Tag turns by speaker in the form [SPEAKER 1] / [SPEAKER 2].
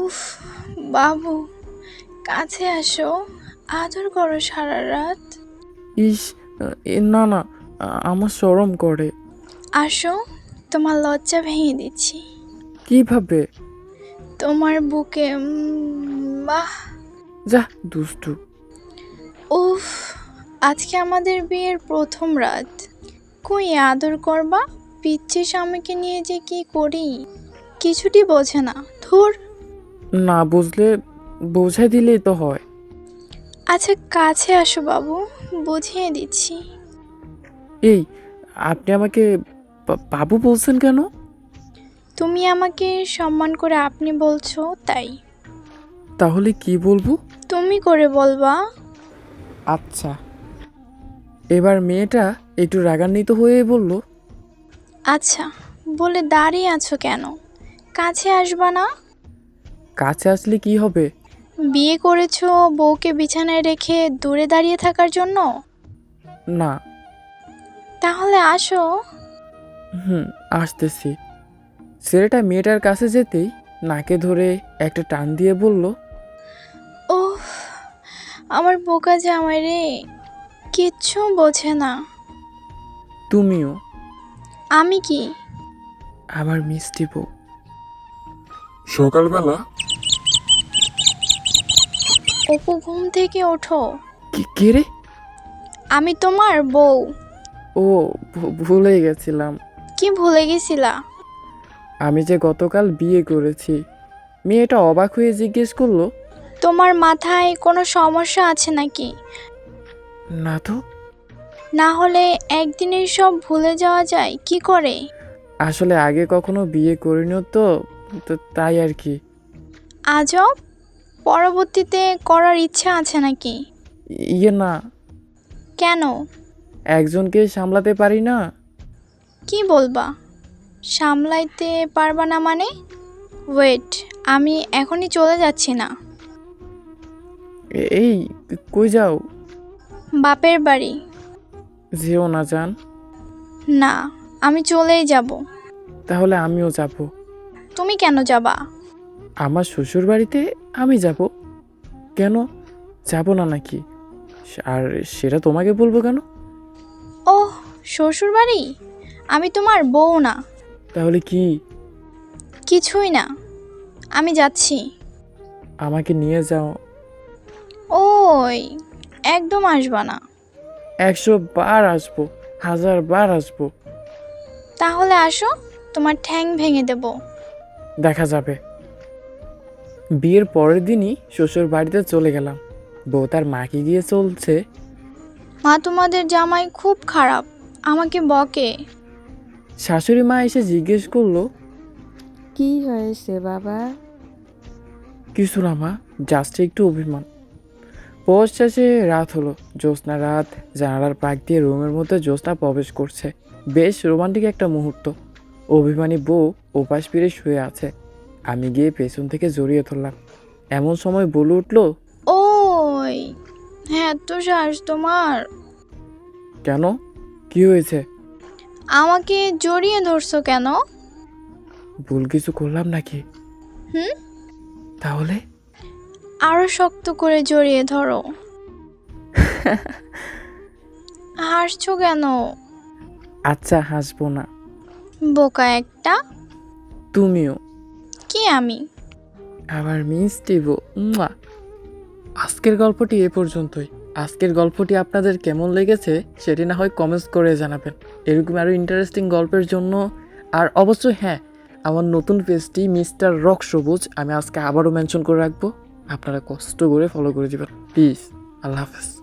[SPEAKER 1] উফ, বাবু, কাছে আসো, আদর করো সারা রাত।
[SPEAKER 2] ইস, না না, আমার শরম করে।
[SPEAKER 1] আসো, তোমার লজ্জা ভেঙে দিচ্ছি।
[SPEAKER 2] কিভাবে?
[SPEAKER 1] তোমার বুকে বাহ।
[SPEAKER 2] যা, দুষ্টু।
[SPEAKER 1] উফ, আজকে আমাদের বিয়ের প্রথম রাত। কই আদর করবা? পিচ্ছি স্বামীকে নিয়ে যে কি করি কিছুটি বোঝে না। ধুর।
[SPEAKER 2] না বুঝলে বোঝাই দিলেই তো হয়।
[SPEAKER 1] আচ্ছা কাছে আসো বাবু, বুঝিয়ে দিচ্ছি।
[SPEAKER 2] এই, আপনি আমাকে বাবু বলছেন কেন?
[SPEAKER 1] তুমি আমাকে সম্মান করে আপনি বলছো তাই।
[SPEAKER 2] তাহলে কি বলবো?
[SPEAKER 1] তুমি করে বলবা।
[SPEAKER 2] আচ্ছা। এবার মেয়েটা একটু রাগান্বিত হয়ে বলল,
[SPEAKER 1] আচ্ছা বলে দাঁড়িয়ে আছো কেন? কাছে আসবা না?
[SPEAKER 2] কাছে আসলে কি হবে?
[SPEAKER 1] বিয়ে করেছো বউকে বিছানায় রেখে দূরে দাঁড়িয়ে থাকার জন্য?
[SPEAKER 2] না।
[SPEAKER 1] তাহলে আসো।
[SPEAKER 2] হুম, আসতেছি। ছেলেটা মেয়েটার কাছে যেতেই নাকে ধরে একটা টান দিয়ে বলল,
[SPEAKER 1] ওহ, আমার বোকা জামাই রে, কিচ্ছু বোঝে না।
[SPEAKER 2] তুমিও
[SPEAKER 1] আমি কি?
[SPEAKER 2] আমার মিষ্টি বউ।
[SPEAKER 3] সকালবেলা
[SPEAKER 1] অপু ঘুম থেকে ওঠো।
[SPEAKER 2] কে রে?
[SPEAKER 1] আমি তোমার বউ।
[SPEAKER 2] ও, ভুলে গেছিলাম।
[SPEAKER 1] কি ভুলে গেছিলা?
[SPEAKER 2] আমি যে গতকাল বিয়ে করেছি। মেয়েটা অবাক হয়ে জিজ্ঞেস করলো,
[SPEAKER 1] তোমার মাথায় কোনো সমস্যা আছে নাকি?
[SPEAKER 2] না তো।
[SPEAKER 1] না হলে একদিনেই সব ভুলে যাওয়া যায় কি করে?
[SPEAKER 2] আসলে আগে কখনো বিয়ে করিনি তো, তো তাই আর কি।
[SPEAKER 1] আজব, পরবর্তীতে করার ইচ্ছা আছে নাকি?
[SPEAKER 2] ইয়ে না,
[SPEAKER 1] কেন?
[SPEAKER 2] একজনকে সামলাতে পারি না।
[SPEAKER 1] কি বলবা? সামলাইতে পারবা না মানে? ওয়েট, আমি এখনই চলে যাচ্ছি না।
[SPEAKER 2] এই, কই যাও?
[SPEAKER 1] বাপের বাড়ি।
[SPEAKER 2] যেও না জান।
[SPEAKER 1] না, আমি চলেই যাব।
[SPEAKER 2] তাহলে আমিও যাব।
[SPEAKER 1] তুমি কেন যাবা?
[SPEAKER 2] আমার শ্বশুর বাড়িতে আমি যাব। কেন, যাব না নাকি? আর সেটা তোমাকে বলবো কেন?
[SPEAKER 1] ওহ, শ্বশুর বাড়ি? আমি তোমার বউ না।
[SPEAKER 2] তাহলে কি?
[SPEAKER 1] কিছুই না, আমি যাচ্ছি।
[SPEAKER 2] আমাকে নিয়ে যাও।
[SPEAKER 1] ওই, একদম আসবা না।
[SPEAKER 2] 100 বার আসবো, 1000 বার আসবো।
[SPEAKER 1] তাহলে আসো, তোমার ঠ্যাং ভেঙে দেব।
[SPEAKER 2] দেখা যাবে। বিয়ের পরের দিনই শ্বশুর বাড়িতে চলে গেলাম। বউ তার মাকে গিয়ে চলছে,
[SPEAKER 1] মা তোমাদের জামাই খুব খারাপ, আমাকে বকে।
[SPEAKER 2] শাশুড়ি মা এসে জিজ্ঞেস করলো,
[SPEAKER 4] কি হয়েছে বাবা?
[SPEAKER 2] কিছু না মা, জাস্ট একটু অভিমান। পৌষ শেষে রাত হলো, জ্যোৎস্না রাত। জানালার পাক দিয়ে রুমের মধ্যে জ্যোৎস্না প্রবেশ করছে। বেশ রোমান্টিক একটা মুহূর্ত। অভিমানী বউ ওপাশ ফিরে শুয়ে আছে। আমি গিয়ে পেছন থেকে জড়িয়ে ধরলাম। এমন সময় বলে উঠলো,
[SPEAKER 1] ওই, হ্যাঁ তো শ্বাস তোমার।
[SPEAKER 2] কেন, কি হয়েছে?
[SPEAKER 1] আমাকে জড়িয়ে ধরছো কেন?
[SPEAKER 2] ভুল কিছু করলাম নাকি?
[SPEAKER 1] হুম,
[SPEAKER 2] তাহলে
[SPEAKER 1] আরো শক্ত করে জড়িয়ে ধরো। হাসছো কেন?
[SPEAKER 2] আচ্ছা, হাসবো না।
[SPEAKER 1] বোকা একটা।
[SPEAKER 2] তুমিও
[SPEAKER 1] কি আমি?
[SPEAKER 2] আমার মিষ্টি বউ। মুয়া। আজকের গল্পটি এ পর্যন্তই। আজকের গল্পটি আপনাদের কেমন লেগেছে সেটি না হয় কমেন্টস করে জানাবেন। এরকম আরও ইন্টারেস্টিং গল্পের জন্য। আর অবশ্যই হ্যাঁ, আমার নতুন পেজটি মিস্টার রক সবুজ আমি আজকে আবারও মেনশন করে রাখবো। আপনারা কষ্ট করে ফলো করে দেবেন প্লিজ। আল্লাহ হাফেজ।